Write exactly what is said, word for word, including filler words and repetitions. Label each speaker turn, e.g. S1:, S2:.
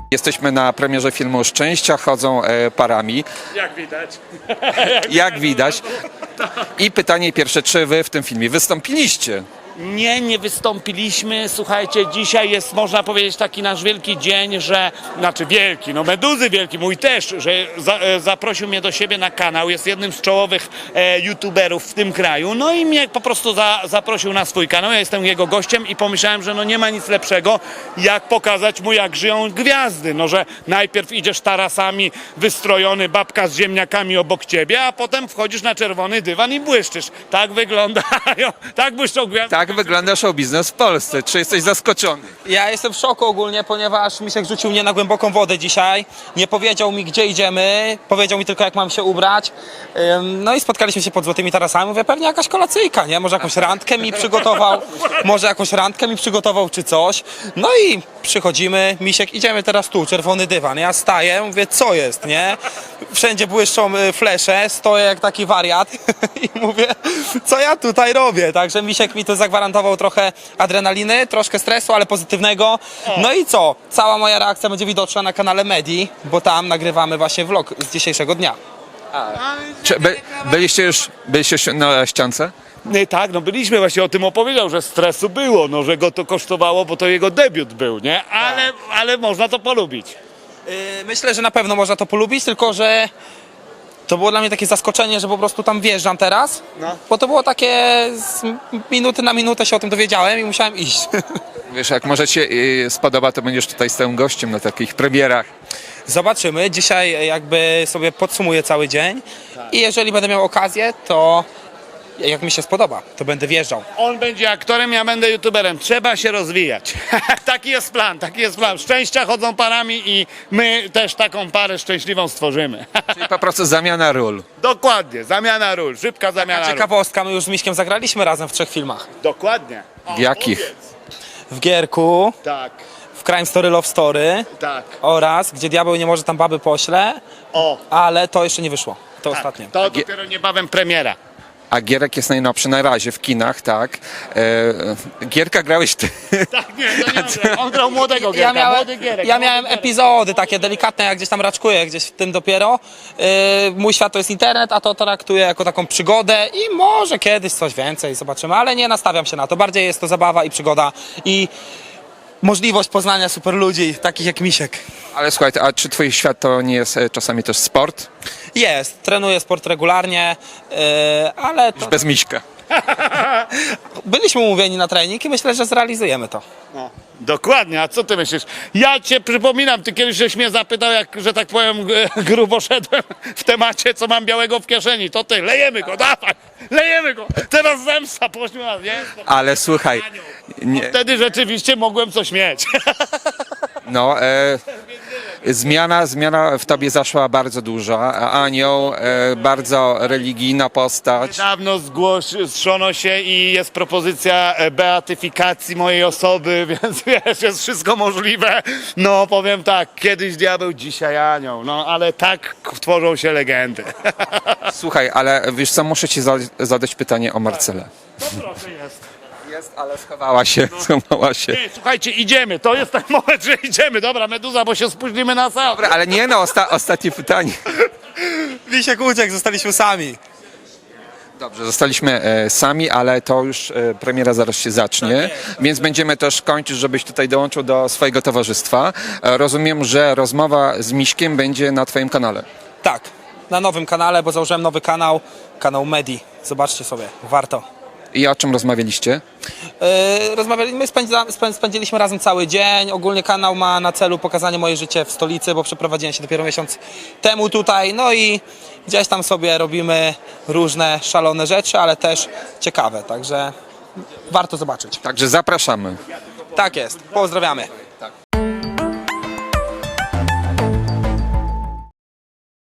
S1: Jesteśmy na premierze filmu Szczęścia chodzą e, parami.
S2: Jak widać.
S1: Jak widać. I pytanie pierwsze, czy wy w tym filmie wystąpiliście?
S2: Nie, nie wystąpiliśmy. Słuchajcie, dzisiaj jest, można powiedzieć, taki nasz wielki dzień, że, znaczy wielki, no Meduzy wielki, mój też, że za, e, zaprosił mnie do siebie na kanał, jest jednym z czołowych e, youtuberów w tym kraju, no i mnie po prostu za, zaprosił na swój kanał, ja jestem jego gościem i pomyślałem, że no nie ma nic lepszego, jak pokazać mu, jak żyją gwiazdy, no że najpierw idziesz tarasami wystrojony, babka z ziemniakami obok ciebie, a potem wchodzisz na czerwony dywan i błyszczysz. Tak wyglądają, tak błyszczą gwiazdy.
S1: Tak wygląda show biznes w Polsce. Czy jesteś zaskoczony?
S3: Ja jestem w szoku ogólnie, ponieważ Misiek rzucił mnie na głęboką wodę dzisiaj. Nie powiedział mi, gdzie idziemy, powiedział mi tylko, jak mam się ubrać. Ym, No i spotkaliśmy się pod Złotymi Tarasami. Mówię, pewnie jakaś kolacyjka, nie? Może jakąś randkę mi przygotował, może jakąś randkę mi przygotował, czy coś. No i przychodzimy, Misiek, idziemy teraz tu, czerwony dywan. Ja staję, mówię, co jest, nie? Wszędzie błyszczą y, flesze, stoję jak taki wariat i mówię, co ja tutaj robię? Także Misiek mi to zagwarantował trochę adrenaliny, troszkę stresu, ale pozytywnego. No i co? Cała moja reakcja będzie widoczna na kanale Medi, bo tam nagrywamy właśnie vlog z dzisiejszego dnia.
S1: Czy by, byliście już byliście już na ściance?
S2: Nie, tak, no byliśmy, właśnie o tym opowiedział, że stresu było, no że go to kosztowało, bo to jego debiut był, nie? Ale, ale można to polubić.
S3: Yy, myślę, że na pewno można to polubić, tylko że to było dla mnie takie zaskoczenie, że po prostu tam wjeżdżam teraz,
S2: No.
S3: bo to było takie z minuty na minutę się o tym dowiedziałem i musiałem iść.
S1: Wiesz, jak może ci y, spodoba, to będziesz tutaj stałym gościem na takich premierach.
S3: Zobaczymy. Dzisiaj jakby sobie podsumuję cały dzień i jeżeli będę miał okazję, to jak mi się spodoba, to będę wjeżdżał.
S2: On będzie aktorem, ja będę youtuberem. Trzeba się rozwijać. Taki jest plan, taki jest plan. Szczęścia chodzą parami i my też taką parę szczęśliwą stworzymy.
S1: Czyli po prostu zamiana ról.
S2: Dokładnie, zamiana ról, szybka zamiana ról.
S3: Ciekawostka, my już z Miśkiem zagraliśmy razem w trzech filmach.
S2: Dokładnie. O,
S1: W jakich?
S2: powiedz.
S3: W Gierku,
S2: Tak,
S3: w Crime Story Love Story
S2: tak.
S3: oraz Gdzie diabeł nie może tam baby pośle,
S2: O,
S3: ale to jeszcze nie wyszło. To
S2: tak.
S3: ostatnie.
S2: To dopiero niebawem premiera.
S1: A Gierek jest najnowszy na razie w kinach, tak? E, Gierka grałeś ty.
S2: Tak, nie, to nie on grał. On grał młodego Gierka,
S3: Ja miałem,
S2: młody Gierek.
S3: ja
S2: młody
S3: miałem
S2: Gierek.
S3: epizody takie delikatne, jak gdzieś tam raczkuję, gdzieś w tym dopiero. Yy, mój świat to jest internet, a to traktuję jako taką przygodę i może kiedyś coś więcej zobaczymy, ale nie nastawiam się na to. Bardziej jest to zabawa i przygoda i możliwość poznania super ludzi, takich jak Misiek.
S1: Ale słuchaj, a czy twój świat to nie jest e, czasami też sport?
S3: Jest, trenuję sport regularnie, yy, ale to,
S1: Bez Miśka.
S3: byliśmy umówieni na trening i myślę, że zrealizujemy to.
S2: No, dokładnie, a co ty myślisz? Ja cię przypominam, ty kiedyś żeś mnie zapytał, jak, że tak powiem, g- grubo szedłem w temacie, co mam białego w kieszeni. To ty, lejemy go, dawaj, lejemy go. Teraz zemsta poszła, nie?
S1: Ale słuchaj, nie,
S2: Wtedy rzeczywiście mogłem coś mieć.
S1: no, e, zmiana, zmiana w tobie zaszła bardzo duża. Anioł, e, bardzo religijna postać.
S2: Dawno zgłoszono się i jest propozycja e, beatyfikacji mojej osoby, więc wiesz, jest wszystko możliwe. No powiem tak, kiedyś diabeł, dzisiaj anioł. No ale tak tworzą się legendy.
S1: Słuchaj, ale wiesz co, muszę ci za, zadać pytanie o Marcelę.
S2: Proszę jest.
S1: Jest, ale schowała się, schowała się.
S2: Nie, słuchajcie, idziemy. To jest ten moment, że idziemy. Dobra, Meduza, bo się spóźnimy na sam.
S1: Dobra, ale nie no, osta ostatnie pytanie.
S3: Misiek uciekł, zostaliśmy sami.
S1: Dobrze, zostaliśmy e, sami, ale to już e, premiera zaraz się zacznie, więc będziemy też kończyć, żebyś tutaj dołączył do swojego towarzystwa. E, rozumiem, że rozmowa z Miśkiem będzie na twoim kanale.
S3: Tak, na nowym kanale, bo założyłem nowy kanał, kanał Medi. Zobaczcie sobie, warto.
S1: I o czym rozmawialiście?
S3: Yy, rozmawialiśmy, spędza, spę- spędziliśmy razem cały dzień. Ogólnie kanał ma na celu pokazanie moje życie w stolicy, bo przeprowadziłem się dopiero miesiąc temu tutaj. No i gdzieś tam sobie robimy różne szalone rzeczy, ale też ciekawe, także warto zobaczyć.
S1: Także zapraszamy.
S3: Tak jest, pozdrawiamy.